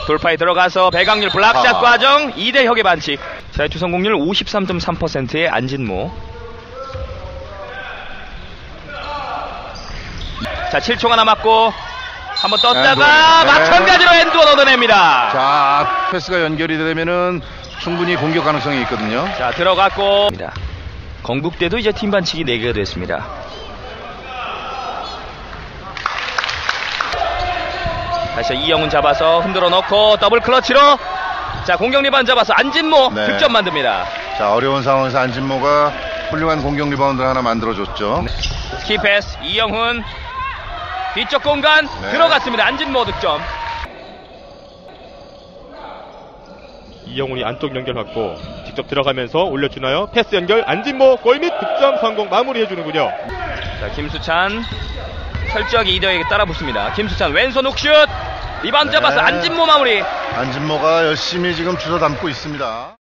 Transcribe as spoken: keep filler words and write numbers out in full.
돌파에 들어가서 배강률 블락샷 아. 과정 이대혁의 반칙. 자유투 성공률 오십삼 점 삼 퍼센트의 안진모. 자, 칠 초가 남았고 한번 떴다가 네. 마찬가지로 엔드원 얻어냅니다. 자, 패스가 연결이 되면은 충분히 공격 가능성이 있거든요. 자, 들어갔고 건국대도 이제 팀 반칙이 네 개가 됐습니다. 다시 이영훈 잡아서 흔들어 넣고 더블 클러치로 자, 공격 리바운드 잡아서 안진모 네. 득점 만듭니다. 자, 어려운 상황에서 안진모가 훌륭한 공격 리바운드를 하나 만들어줬죠. 스키 패스 이영훈 뒤쪽 공간 네. 들어갔습니다. 안진모 득점. 이영훈이 안쪽 연결 받고 직접 들어가면서 올려주나요? 패스 연결 안진모 골 및 득점 성공 마무리해주는군요. 자, 김수찬 철저하게 이대혁에게 따라붙습니다. 김수찬 왼손 훅슛 리바운드 네. 잡아서 안진모 마무리. 안진모가 열심히 지금 주워 담고 있습니다.